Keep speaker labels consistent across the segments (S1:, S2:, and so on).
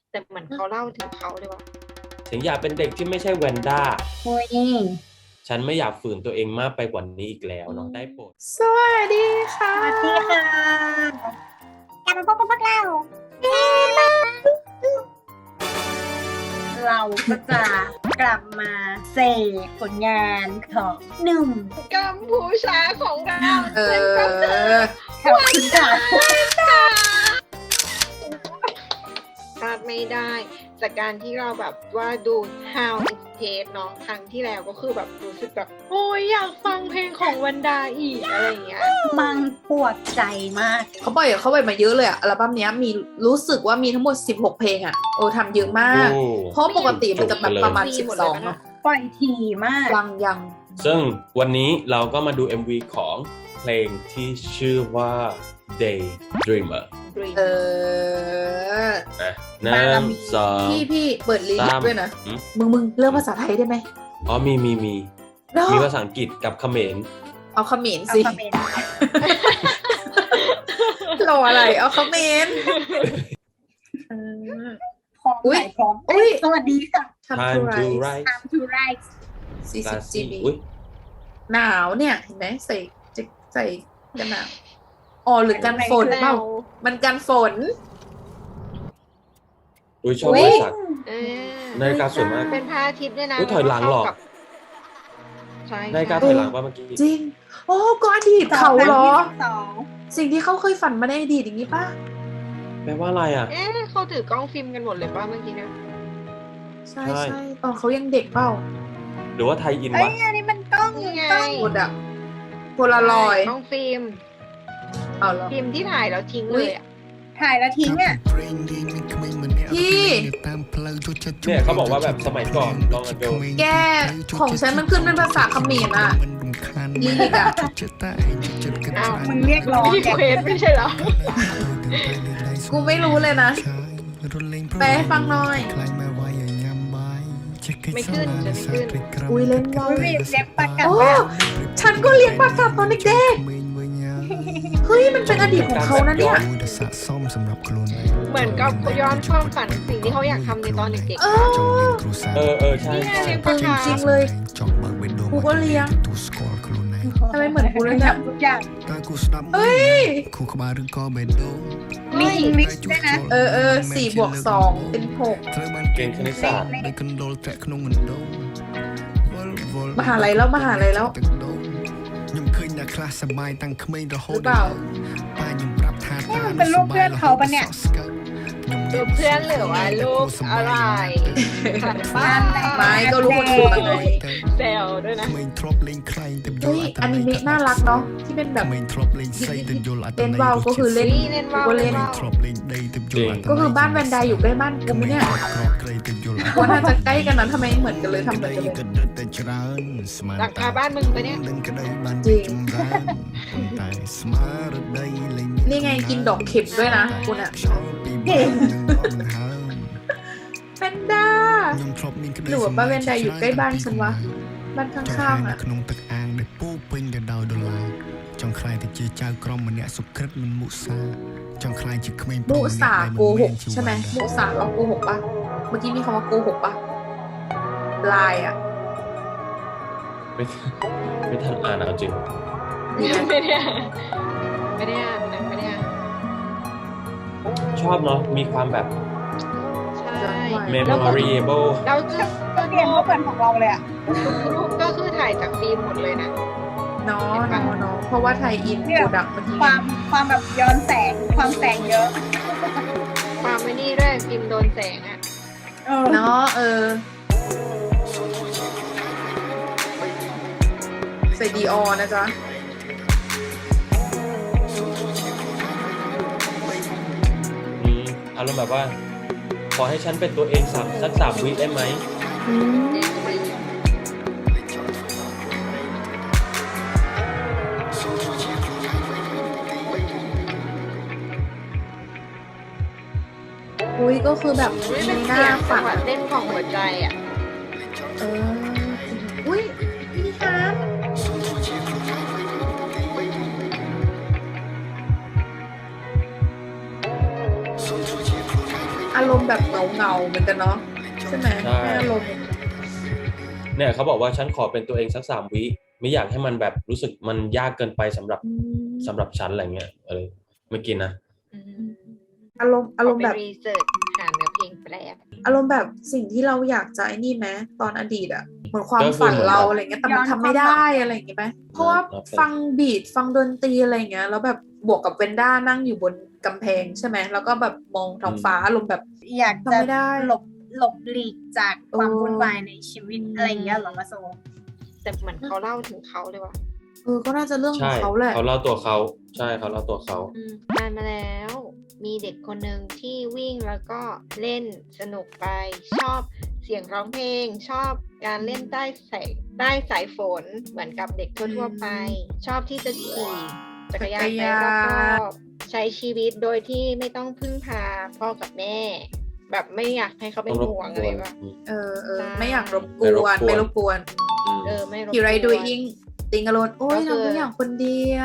S1: แต่เหมือนเขาเล่าถึงเขาเลยว่า
S2: ถึงอยากเป็นเด็กที่ไม่ใช่แวนด้า
S3: โอ้ย
S2: ฉันไม่อยากฝืนตัวเองมากไปกว่านี้อีกแล้วน้องได้โปรด
S4: สวัสดีค่ะ
S3: สวัสดีค่ะ
S5: กลับมาพบกับพวกเรา
S3: เราก็จะกลับมาเสพผลงานของหนุ่ม
S1: กัมพูชาของเรา
S4: เอ
S1: นั่นก็คือ
S4: อ
S3: ขอบคุณค่ะ
S1: พลาดไม่ได้จากการที่เราแบบว่าดู How It Tastes เนาะครั้งที่แล้วก็คือแบบรู้สึกแบบโอ้ยอยากฟังเพลงของวันดาอีกอะไรอย่างเงี้ย
S3: มันปวดใจมาก
S4: เขาปล่อยมาเยอะเลยอะอัลบั้มเนี้ยมีรู้สึกว่ามีทั้งหมด16เพลงอะโอ้ทำเยอะมาก
S2: โอ้
S4: เพราะปกติมันจะแบบประมาณ
S1: จุกไปเลย
S4: 12เนาะ
S3: ปล่อยทีมาก
S4: ยัง
S2: ซึ่งวันนี้เราก็มาดู MV ของเพลงที่ชื่อว่า Daydreamer
S4: เออ
S2: นะหนึ่งสอง
S4: พี่เปิดลิลิ
S2: สาก ม
S4: ด้วยนะ
S2: อืม
S4: มึงเริ่มภาษาไทยได้ไหม
S2: อ๋อมี
S4: เนาะ
S2: มีภาษาอังกฤษกับเขมร
S4: เอาเขมร
S3: เอา
S4: สิ
S3: คอมเมนต์
S4: รออะไรเอาเขมรเออ
S3: พร้อม
S4: อุ๊ย
S3: ไหนพร้อม
S4: อุ๊ย
S3: สวัสดีค่ะ
S2: Time to
S4: Rise
S2: Rise
S3: Time to Rise
S4: 40 GB
S2: อุ้ย
S4: หนาวเนี่ยเห็นไหมใส่กันหนาวอ๋อหรือกันฝนเปล่ามันกันฝน
S2: อุ้ยชอบ
S4: อุ๊
S2: บ
S4: ย
S2: ริษัท
S1: เออ
S2: นาฬิกาสวยมาก
S1: เป็นพระอาทิตย์ด้วยนะ
S2: อุ๊ยถอยหลังเหรอ
S1: แล้วก็เข้ากับใช่
S2: นาฬิกาถอยหลังป่ะเมื่อกี้
S4: จริง โอ้ก็อดีตเขาเหรอ
S3: 2022
S4: สิ่งที่เขาเคยฝันมาในอดีตอย่างนี้ป่ะ
S2: แปลว่าอะไรอ่ะ
S1: เอ๊ะเขาถือกล้องฟิล์มกันหมดเลยป่ะเมื่อกี้เนี่ย
S4: ใช่
S2: ใช่
S4: ใช่ตอนเขายังเด็กเปล่า
S2: หรือว่าไทยอิน
S3: เอ้
S2: วะ
S3: ยอันนี้มันกล้อง
S1: นี่ไง
S3: กล้อง
S4: หมดอะโพลารอยด์
S1: กล้องฟิล์ม
S4: เอาเหรอ
S1: ฟิล์มที่ถ่ายแล้วทิ้งเลยอะ
S3: ถ่ายแล้วทิ้งอ่ะ
S4: พี่
S2: เนี่ยเขาบอกว่าแบบสมัยก่อนลองกันดู
S4: แกของฉันมันขึ้นเป็นภาษาเขมรอะลิลิกอะ
S1: อ้าว
S3: มึงเรียกร้อง
S1: ไม่
S3: แก
S1: เควสไม่ใช่เหรอ
S4: กูไม่รู้เลยนะ แปลให้ฟังหน่อย
S1: ไม่ขึ้นจะไม่ขึ้น
S4: อุ้ยเล่นว่าว
S3: ไม่มีเล็บปากกัด
S4: โอ้
S3: แบบ
S4: ฉันก็เลี้ยงปลากัดตอนเด็กๆเฮ้ยมันเป็นอดีตของเขานะเนี่ย
S1: เหมือนกับย้อนความฝันสิ่งที่เขาอยากทำในตอนเด็ก
S4: เออ
S2: ใช่
S1: นี่ไง
S2: ใช่
S1: เลี้ยงปลา
S4: จ
S1: คา
S4: ริงๆเลยกูก็เลี้ยงทำไมเหมือนกูเลยเนี่ย
S3: ทุกอย่าง
S4: เฮ้ย
S3: มีอิงลิชด้วยนะ
S4: เออ4+2เป็น6
S2: เก่งคณิตศาสตร์
S4: มหาลัยแล้ว
S6: ខ្ញុំឃើញអ្នកខ្លះសប្បាយតាំងក្មេងរហូត
S4: หรือเปล่า
S6: ប៉ាខ្ញុំប្រាប់ថា
S3: นี่มันเป็นรูปเพื่อนเขาปะเนี่ย
S1: รูปเพื่อนหรือว่ารูปอะไรถ่ายบ้าน
S4: ไม่ก็รู้คนถูกไง
S1: เซลด้วยนะ
S6: ក្មេងធ្លាប់លេงខ្លែងទៅយ
S4: เฮ้ย
S6: ល់
S4: อนิเมะน่ารักเนาะที่เป็นแบบ
S6: ក្មេงធ្លាប់លេងស្រីទៅយល់អត្ត
S4: เล่น
S6: ន័យ
S4: ว่าวก็คือเล่น
S1: นี่เล่นว่าว
S4: กูก็เล่น
S1: เล่นว่าว
S6: ធ្លាប់លេងដីទៅយល់អត្តន័យ
S4: ก็คือบ้านแวนไดอยู่ใกล้บ้านกูไหมเนี่ย
S6: ក្រកក្រៃទៅយល់
S4: ว่าน่าจะใกล้กันนะทำไมเหมือนกันเลยทำเหมือนกันเลย
S6: ក៏ដិតតែច្រើនស្មាន
S1: หลังคาบ้านมึงปะเนี่ย
S6: ដឹងក្តីបាន
S4: จริง
S6: ចម្រើនតែស្មារតីលែង
S4: นี่ไงกินดอกเข็มด้วยนะคุณอะ
S6: ខ្យល់ពីបាត់នឹងអត់នឹងហើម
S4: แวนด้า
S6: ខ្ញុំធ្លាប់មានក្តី
S4: หรือว่าบ้านแวนไดอยู่ใกล้บ้านฉันวะบ้านข้างๆ
S6: នៅ
S4: อะ
S6: ក្នុងទឹកអាងដែលពោពេញទៅដោយដុល្លារចង់ខ្លាយទៅជាចៅក្រមម្នាក់សុក្រិតមិនមុសាចង់ខ្លាយជាក្មេង
S4: มุสาโกหกใช่ไหมมุสาเราโกหกปะเมื่อกี้มีคำว่าโกหกปะลายอะ
S2: ไม่ทันอ่านเอาจริง
S1: ไม่ได้อ่านไม่ได้อ่านนะไม่ได้อ่าน
S2: ชอบเนาะมีความแบบ
S1: ใช่
S2: memorable
S1: เราจะ
S3: ตัวเรียนก็เหมือนของเราเลยอ่ะ
S1: รูปก็คือถ่ายจากฟิล์มหมดเลยนะ
S4: เนาะเพราะว่าไทยอินโปรดักต์เมื่อกี้
S3: ความแบบย้อนแสง ความแสงเยอะ
S1: ความไม่นี่ด้วยฟิล์มโดนแสงอ่ะ
S4: เนาะใส่ดีออนะจ๊ะ
S2: อารมณ์แบบว่า ขอให้ฉันเป็นตัวเองสัก3 วิได้ไหม
S4: อุ้ยก็คือแบบ
S1: ไม่
S4: มี
S1: เป็น
S4: หน้า
S1: เสียงจั
S4: ฝั
S1: ง
S4: น
S1: หวะเต้นของหัวใจอ่ะ
S4: อุ้ยพี่ฮาร์ดออารมณ์แบบเงาเหมือนกันเนาะใช่ไหม
S2: ใช่
S4: ให้อารมณ์
S2: เนี่ยเขาบอกว่าฉันขอเป็นตัวเองสัก3 วิไม่อยากให้มันแบบรู้สึกมันยากเกินไปสำหรับฉันอะไรเงี้ยเมื่อกี้นะ
S4: อารมณ์แบบ
S1: รีเสิร์ชหาเนื้อเพลงแปล
S4: อารมณ์แบบสิ่งที่เราอยากจะไอ้นี่ไหมตอนอดีตอะเหมือนความฝันเราอะไรเงี้ยแต่มันทำไม่ได้อะไรอย่างเงี้ยไหมเพราะว่าฟังบีทฟังดนตรีอะไรเงี้ยแล้วแบบบวกกับเวนด้านั่งอยู่บนกำแพงใช่ไหมแล้วก็แบบมองท้องฟ้าอารมณ์แบบ
S3: อยาก
S4: ทำ
S3: จะ
S4: ไม่ได้
S3: หลบหลีกจากความวุ่นวายในชีวิตอะไรอย่างเงี้ยเหรอมาโซ
S1: แต่เหมือนเขาเล่าถึงเขาเลยว่ะ
S4: ก็น่าจะเรื่องขอ
S2: ใช่
S4: งเขาแหละ
S2: เขาเล่าตัวเขาใช่เขาเล่าตัวเขา
S1: นานมาแล้ว มีเด็กคนหนึ่งที่วิ่งแล้วก็เล่นสนุกไป ชอบเสียงร้องเพลง ชอบการเล่นใต้สายฝนเหมือนกับเด็กทั่วๆไป ชอบที่จะขี่จักรยานไปรอบๆใช้ชีวิตโดยที่ไม่ต้องพึ่งพาพ่อกับแม่ แบบไม่อยากให้เขาเป็นห่วงอะไรวะ
S4: ไม่อยากรบกวน
S2: ไม่
S4: ไม่
S2: ร
S4: ร
S2: บบ ก
S4: ก
S2: ว
S4: วน น
S1: ไม่รบกวน
S4: อยู่ไรดูอิงติงอโลนโอ้ย
S1: ก็คือ
S4: ทำทุกอย่างคนเดียว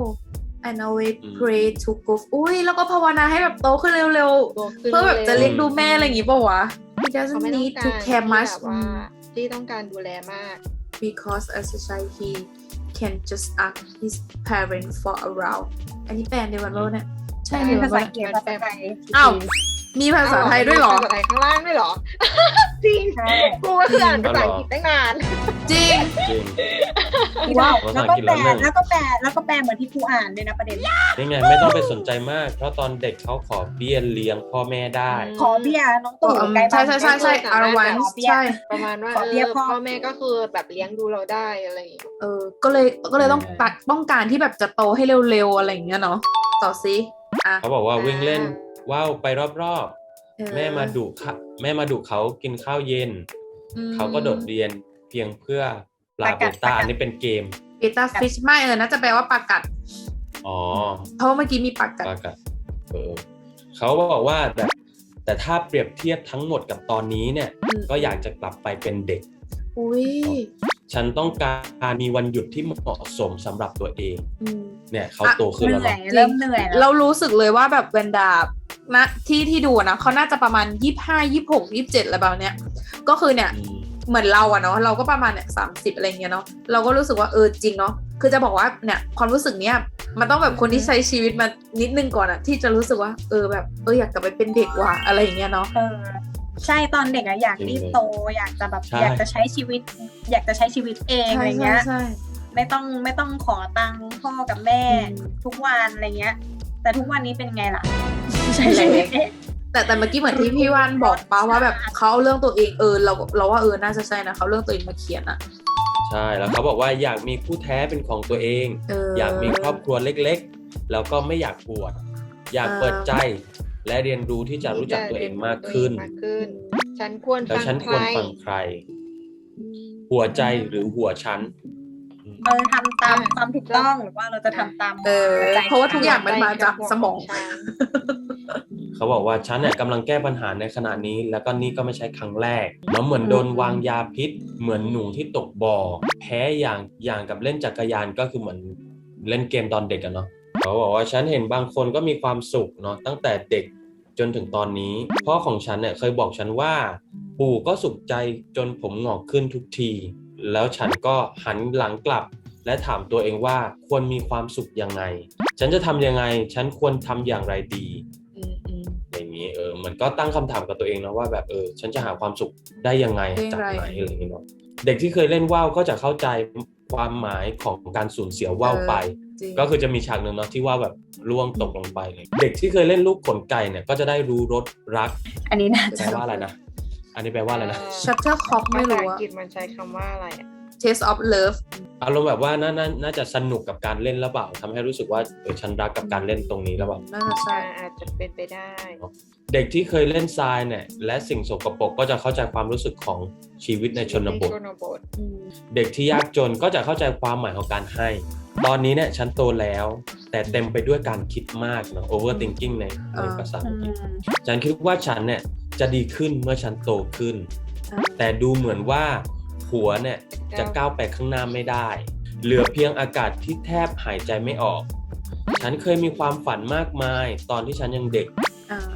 S4: and always pray to go อุ้ยแล้วก็ภาวนาให้แบบโตขึ้นเร็ว
S1: โต
S4: ๆ
S1: ขึ้น
S4: เพื่อแบบจะเลี้ยงดูแม่อะไรอย่างงี้ป่าววะ he
S1: เขา
S4: doesn't
S1: ไม่ต้อง
S4: need
S1: การ
S4: to
S1: ที่
S4: care much
S1: แบบว่าที่ต้องการดูแลมาก
S4: because as a child he can just ask his parents for around อันนี้แปลในวันโลกเนี่ยใช่ไหม
S3: ภาษา
S4: ว่า
S3: อังกฤษภาษาไทย
S4: อ้าว มีภาษาไทยด้วยเหรอ
S1: ภาษาไทยข้างล่างด้วยเหรอ จริง
S3: ใช่
S1: กูก็คืออ่านภาษาอังกฤษตั้งนาน
S4: จริง
S2: จริง
S3: ว้าว
S2: ภา
S3: แล้
S2: ษาว อั
S3: ก็
S2: งกฤษ
S3: แปล
S2: แล้วหนึ่ง
S3: แล้วก็แปลเหมือนที่ครูอ่านด้วยนะประเด็น
S2: นี่ไงไม่ต้องไปสนใจมาก เพราะตอนเด็กเขาขอเบี้ยเลี้ยงพ่อแม่ได้
S3: ขอเบี้ยน้องตู่ใกล้บ้าน
S4: ใช่ allowance ใช่
S1: ประมาณว่า
S3: ขอเบี้ยพ่อ
S1: พ่อแม่ก็คือแบบเลี้ยงดูเราได้อะไรอย่างเงี้ย
S4: ก็เลยต้องการที่แบบจะโตให้เร็วๆอะไรอย่างเงี้ยเนาะต่อซิอ่ะ
S2: เขาบอกว่าวิ่งเล่นว่าวไปรอบ
S4: เออ
S2: ๆแม่มาดุเขากินข้าวเย็น เขาก็โดดเรียนเพียงเพื่อปลาเบต้าอันนี้เป็นเกม
S4: เบต้าฟิชไม่น่าจะแปลว่าปลากัด
S2: อ๋อ
S4: เพราะว่าเมื่อกี้มีปลากัด
S2: ปลากัดเขาบอกว่าแต่ถ้าเปรียบเทียบทั้งหมดกับตอนนี้เนี่ย ก็อยากจะกลับไปเป็นเด็ก
S4: อุ้ย
S2: ฉันต้องการมีวันหยุดที่เหมาะสมสำหรับตัวเอง เนี่ยเขาโตขึ้น
S3: เห
S2: แล้ว
S3: นื่อย
S2: เนาะ
S3: เริ่มเหนื่อยแล้ว
S4: เรารู้สึกเลยว่าแบบเวนดานะที่ดูนะเขาน่าจะประมาณ25 26 27อะไรแบบเนี้ยก็คือเนี่ย เหมือนเราอะเนาะเราก็ประมาณเนี่ย30อะไรเงี้ยเนาะเราก็รู้สึกว่าจริงเนาะคือจะบอกว่าเนี่ยความรู้สึกเนี้ยมันต้องแบบคนที่ใช้ชีวิตมานิดนึงก่อนอะที่จะรู้สึกว่าแบบอยากกลับไปเป็นเด็กว่ะอะไรอย่างเงี้ยเนาะ
S3: ใช่ตอนเด็กอะอยากรีบโตอยากจะแบบอยากจะใช้ชีวิตเองอะไรเงี้ย
S4: ใช่
S3: ไม่ต้องขอตังค์พ่อกับแม่ทุกวันอะไรเงี้ย แต่ทุกวันนี้เป็นไงล่ะใช้ชีวิตเอง
S4: แต่เมื่อกี้เหมือนที่พี่ว่านบอกป้าว่าแบบเขาเอาเรื่องตัวเองเราว่าน่าจะใช่นะเขาเรื่องตัวเองมาเขียนอะ
S2: ใช่แล้วเขาบอกว่าอยากมีคู่แท้เป็นของตัวเอง อยากมีครอบครัวเล็กๆ แล้วก็ไม่อยากบวชอยากเปิดใจและเรียนรู้ที่จะรู้จักตัวเองมากขึ้น
S1: ฉันควร
S2: แล้ว
S1: ฟัง
S2: ฉัน
S1: ใค
S2: คว
S1: ร
S2: รฟังใคร หัวใจหรือหัวฉัน
S3: เราจะทำตามความถูกต้องหรือว่าเราจะทำตาม
S4: เพราะว่าทุกอย่างมันมาจากสมอง
S2: เขาบอกว่าฉันเนี่ยกำลังแก้ปัญหาในขณะนี้ แล้วก็นี่ก็ไม่ใช่ครั้งแรกแล้วเหมือนโดนวางยาพิษ เหมือนหนูที่ตกบ่อแพ้อย่างกับเล่นจักรยานก็คือเหมือนเล่นเกมตอนเด็กอะเนาะเขาบอกว่าฉันเห็นบางคนก็มีความสุขเนาะตั้งแต่เด็กจนถึงตอนนี้พ่อของฉันเนี่ยเคยบอกฉันว่าปู่ก็สุขใจจนผมหงอกขึ้นทุกทีแล้วฉันก็หันหลังกลับและถามตัวเองว่าควรมีความสุขยังไงฉันจะทำยังไงฉันควรทำอย่างไรดีอย่างนี้มันก็ตั้งคำถามกับตัวเองนะว่าแบบฉันจะหาความสุขได้ยังไงจากไหนอะไรอย่างนี้เนาะเด็กที่เคยเล่นว่าวก็จะเข้าใจความหมายของการสูญเสียว่าวไปก็คือจะมีฉากหนึ่งเนาะที่ว่าแบบร่วงตกลงไปเลยเด็กที่เคยเล่นลูกขนไก่เนี่ยก็จะได้รู้รสรัก
S3: อันนี้น่า
S2: แป
S3: จะ
S2: ลว่าอะไรนะอันนี้แปลว่าอะไรนะ
S4: Shuttlecock ไม่รู้
S1: ภาษาอั
S4: อะ
S1: งกฤษมันใช้คำว่าอะไรอะ
S4: Taste of Love
S2: อารมณ์แบบว่าน่าจะสนุกกับการเล่นหรือเปล่าทำให้รู้สึกว่าฉันรักกับการเล่นตรงนี้หรือเปล่า
S4: น่าจะใช่
S1: อาจจะเป็นไปได้
S2: เด็กที่เคยเล่นทรายเนี่ยและสิ่งสกปรกก็จะเข้าใจความรู้สึกของชีวิตในชนบท เด็กที่ยากจนก็จะเข้าใจความหมายของการให้ ตอนนี้เนี่ยฉันโตแล้วแต่เต็มไปด้วยการคิดมากเนาะ overthinking ในภาษาอังกฤษฉันคิดว่าฉันเนี่ยจะดีขึ้นเมื่อฉันโตขึ้น แต่ดูเหมือนว่าหัวเนี่ยจะก้าวไปข้างหน้าไม่ได้เหลือเพียงอากาศที่แทบหายใจไม่ออกฉันเคยมีความฝันมากมายตอนที่ฉันยังเด็ก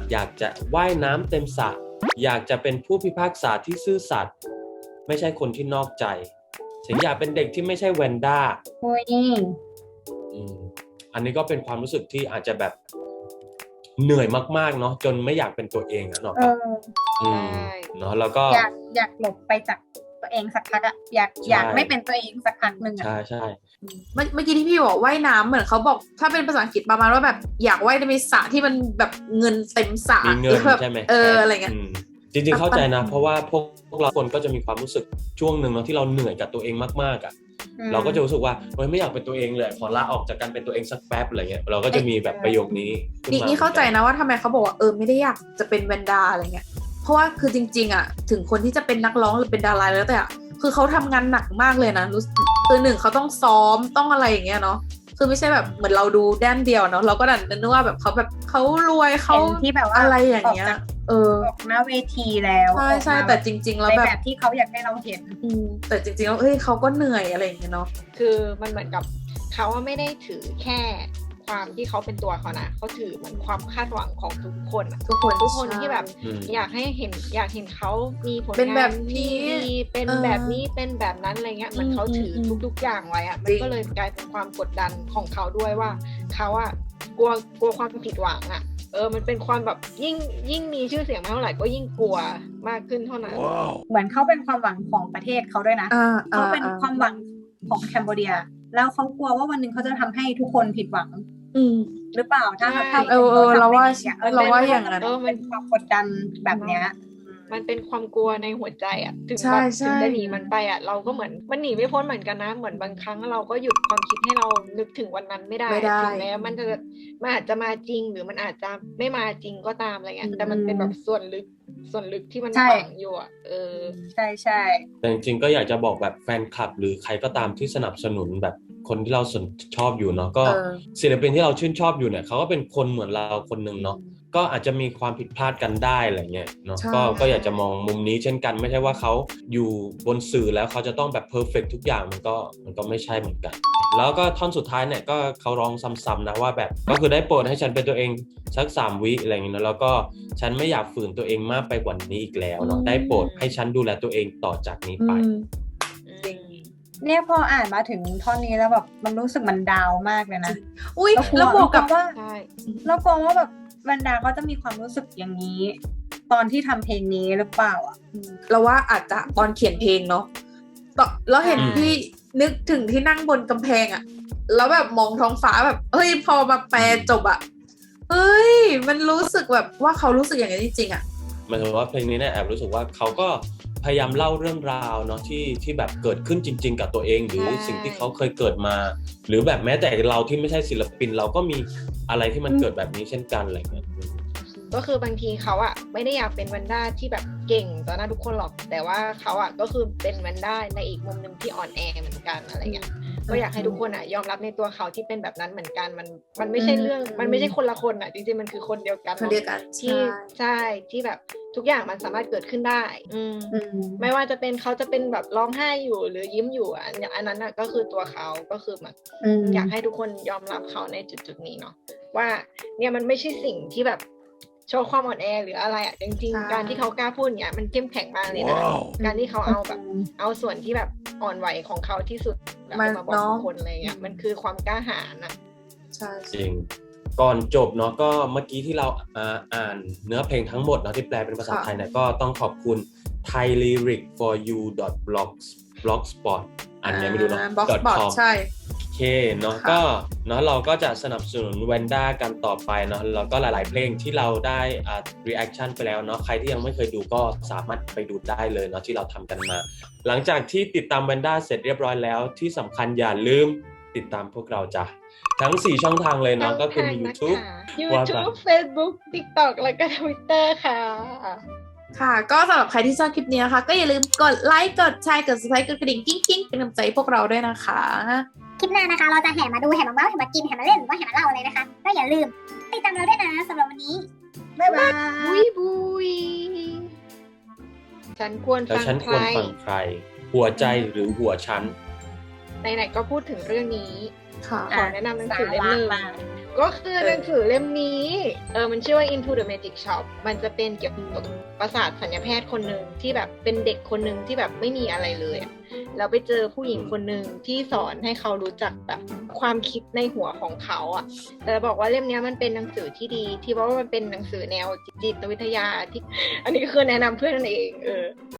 S2: อยากจะว่ายน้ำเต็มสระอยากจะเป็นผู้พิพากษาที่ซื่อสัตย์ไม่ใช่คนที่นอกใจฉันอยากเป็นเด็กที่ไม่ใช่แวนด้า
S3: โอ้ย
S2: อันนี้ก็เป็นความรู้สึกที่อาจจะแบบเหนื่อยมากๆเนาะจนไม่อยากเป็นตัวเองอะเนาะ
S3: เออ
S2: เนาะแล้วก็
S3: อยากหลบไปจากตัวเองสักพักอะอยากไม่เป็นตัวเองสักพักหนึ่งอะ
S2: ใช่
S4: เมื่อกี้ที่พี่บอกว่ายน้ำเหมือนเขาบอกถ้าเป็นภาษาอังกฤษประมาณว่าแบบอยากว่ายในสระที่มันแบบเงินเต็มสระ
S2: มีเงิน
S4: แบบ
S2: ใช่ไหม
S4: อะไรเงี้ย
S2: จริงๆเข้าใจนะเพราะว่าพวกเราคนก็จะมีความรู้สึกช่วงหนึ่งเนาะที่เราเหนื่อยกับตัวเองมากๆอ่ะเราก็จะรู้สึกว่าเฮ้ยไม่อยากเป็นตัวเองเลยขอลาออกจากการเป็นตัวเองสักแป๊บอะไรเงี้ยเราก็จะมีแบบประโยคนี้ขึ้มา
S4: นี่เข้าใจนะว่าทำไมเขาบอกว่าไม่ได้อยากจะเป็นแวนดาอะไรเงี้ยเพราะว่าคือจริงๆอ่ะถึงคนที่จะเป็นนักร้องหรือเป็นดาราแล้วแต่คือเขาทำงานหนักมากเลยนะคือหนึ่งเขาต้องซ้อมต้องอะไรอย่างเงี้ยเนาะคือไม่ใช่แบบเหมือนเราดูด้านเดียวเนาะเราก็ดันนึกว่าแบบเขารวยเขา
S3: เห็นที่แบบว่า
S4: อะไรอย่างเงี้ย
S3: ออกหน้าเวทีแล้ว
S4: ใช่แต่จริงๆแล้ว
S3: ใน
S4: แบ
S3: แบบ บที่เขาอยากให้เราเห็น
S4: แต่จริงๆแล้วเขาก็เหนื่อยอะไรอย่างเงี้ยเนาะ
S1: คือมันเหมือนกับเขาว่าไม่ได้ถือแค่ความที่เขาเป็นตัวเขานะเขาถือเหมือนความคาดหวังของทุกคนอะ
S4: ทุกคน
S1: ที่แบบ
S2: อืม
S1: อยากเห็นเขามีผล
S4: เป็นแบ
S1: งาน
S4: บนี้
S1: ที่ดีเป็นแบบนี้เป็นแบบนั้นอะไรเงี้ยมันเขาถือทุกๆอย่างไว้อะมันก็เลยกลายเป็นความกดดันของเขาด้วยว่าเขาอะกลัวความผิดหวังอะมันเป็นความแบบยิ่งมีชื่อเสียงมากเท่าไหร่ก็ยิ่งกลัวมากขึ้นเท่านั้น
S3: เหมือนเขาเป็นความหวังของประเทศเขาด้วยนะเขาเป็นความหวังของแคนเบเดียแล้วเขากลัวว่าวันหนึ่งเขาจะทำให้ทุกคนผิดหวังหรือเปล่าถ้าเขา
S4: เราว่าอย่างนั้น
S3: มันเป็นความกดดันแบบเนี้ย
S1: มันเป็นความกลัวในหัวใจอ่ะถึง
S4: ใช่
S1: แบบ
S4: ใช่
S1: ถึงจะหนีมันไปอ่ะเราก็เหมือนมันหนีไม่พ้นเหมือนกันนะเหมือนบางครั้งเราก็หยุดความคิดให้เรานึกถึงวันนั้นไม่ได้ถึงแม้มันอาจจะมาจริงหรือมันอาจจะไม่มาจริงก็ตามอะไรเงี้ยแต่มันเป็นแบบส่วนลึกที่มันฝังอยู่อ่ะ
S3: ใช่
S2: แต่จริงๆก็อยากจะบอกแบบแฟนคลับหรือใครก็ตามที่สนับสนุนแบบคนที่เราชอบอยู่เนาะก็ศิลปินที่เราชื่นชอบอยู่เนี่ยเขาก็เป็นคนเหมือนเราคนหนึ่งเนาะก็อาจจะมีความผิดพลาดกันได้อะไรเงี้ยเนาะก็อยากจะมองมุมนี้เช่นกันไม่ใช่ว่าเขาอยู่บนสื่อแล้วเขาจะต้องแบบเพอร์เฟกต์ทุกอย่างมันก็ไม่ใช่เหมือนกันแล้วก็ท่อนสุดท้ายเนี่ยก็เขาร้องซ้ำๆนะว่าแบบก็คือได้โปรดให้ฉันเป็นตัวเองสัก3 วิอะไรเงี้ยแล้วก็ฉันไม่อยากฝืนตัวเองมากไปกว่านี้อีกแล้วเนาะได้โปรดให้ฉันดูแลตัวเองต่อจากนี้ไป
S3: เนี่ยพออ่านมาถึงท่อนนี้แล้วแบบมันรู้สึกมันดาวมากเลยนะ
S4: อุ้ยแล้วบวกกับว่า
S1: ใช่
S3: แล้วกลัวว่าแบบบรรดาก็จะมีความรู้สึกอย่างนี้ ตอนที่ทำเพลงนี้หรือเปล่าอ่ะ
S4: เราว่าอาจจะตอนเขียนเพลงเนาะแล้วเห็นพี่นึกถึงที่นั่งบนกำแพงอะแล้วแบบมองท้องฟ้าแบบพอมาแปลจบอะมันรู้สึกแบบว่าเขารู้สึกอย่างนี้จริงๆอะ
S2: หมายถึงว่าเพลงนี้เนี่ยแอบรู้สึกว่าเขาก็พยายามเล่าเรื่องราวเนาะที่แบบเกิดขึ้นจริงๆกับตัวเองหรือสิ่งที่เขาเคยเกิดมา หรือแบบแม้แต่เราที่ไม่ใช่ศิลปินเราก็มีอะไรที่มันเกิดแบบนี้เช่นกันอะไรเงี้ย
S1: ก็คือบางทีเขาอะไม่ได้อยากเป็นแวนด้าที่แบบเก่งต่อหน้าทุกคนหรอกแต่ว่าเขาอะก็คือเป็นแวนด้าในอีกมุมนึงที่อ่อนแอเหมือนกันอะไรเงี้ยก็อยากให้ทุกคนอะยอมรับในตัวเขาที่เป็นแบบนั้นเหมือนกันมันไม่ใช่เรื่องมันไม่ใช่คนละคนอะจริงๆมันคือคนเดียวกัน
S4: คนเดียวกัน
S1: ที่ใช่ที่แบบทุกอย่างมันสามารถเกิดขึ้นได้ไม่ว่าจะเป็นเขาจะเป็นแบบร้องไห้อยู่หรือยิ้มอยู่อันนั้นอะก็คือตัวเขาก็คือแบบอยากให้ทุกคนยอมรับเขาในจุดๆนี้เนาะว่าเนี่ยมันไม่ใช่สิ่งที่แบบโชว์ความอ่อนแอหรืออะไรอ่ะจริงๆการที่เขากล้าพูดเนี่ยมันเข้มแข็งมากเลยนะการที่เขาเอาแบบเอาส่วนที่แบบอ่อนไหวของเขาที่สุดแล้วมาบอกทุกคนอะไรเงี้ยมันคือความกล้าหาญนะ
S4: ใช่
S2: จริงก่อนจบเนาะก็เมื่อกี้ที่เราอ่านเนื้อเพลงทั้งหมดเนาะที่แปลเป็นภาษาไทยเนี่ยก็ต้องขอบคุณ thailyric4u.blogspot อันนี้ไม่รู้เนาะ
S4: blogspot ใช่
S2: โอเคเนาะก็เนาะเราก็จะสนับสนุนแวนด้ากันต่อไปเนาะแล้วก็หลายๆเพลงที่เราได้reaction ไปแล้วเนาะใครที่ยังไม่เคยดูก็สามารถไปดูได้เลยเนาะที่เราทำกันมาหลังจากที่ติดตามแวนด้าเสร็จเรียบร้อยแล้วที่สำคัญอย่าลืมติดตามพวกเราจ้ะทั้ง4ช่องทางเลยเนาะก็คือมี YouTube
S1: Facebook TikTok แล้วก็ Twitter ค่ะ
S4: ค่ะก็สำหรับใครที่ชอบคลิปนี้นะคะก็อย่าลืมกดไลค์กดแชร์กด subscribe กดกระดิ่งกิ๊งๆเป็นกำลังใจพวกเราด้วยนะคะ
S5: คลิปหน้านะคะเราจะแห่มาดูแห่มาเมาส์แห่มากินแห่มาเล่นหรือว่าแห่มาเล่าอะไรนะคะก็อย่าลืมติดตามเราด้วยนะสำหรับวันนี้บ๊ายบาย
S1: บุยฉันควรฟังใคร
S2: หัวใจหรือหัวฉัน
S1: ไหนๆก็พูดถึงเรื่องนี้ขอแนะนำหนังสือเล่มนึงก็คือหนังสือเล่มนี้มันชื่อว่า Into the Magic Shop มันจะเป็นเกี่ยวกับประสาทสัญญาแพทย์คนหนึ่งที่แบบเป็นเด็กคนหนึ่งที่แบบไม่มีอะไรเลยแล้วไปเจอผู้หญิงคนหนึ่งที่สอนให้เขารู้จักแบบความคิดในหัวของเขาแต่บอกว่าเล่มนี้มันเป็นหนังสือที่ดีที่เพราะว่ามันเป็นหนังสือแนวจิตวิทยาที่อันนี้คือแนะนำเพื่อนนั่นเอง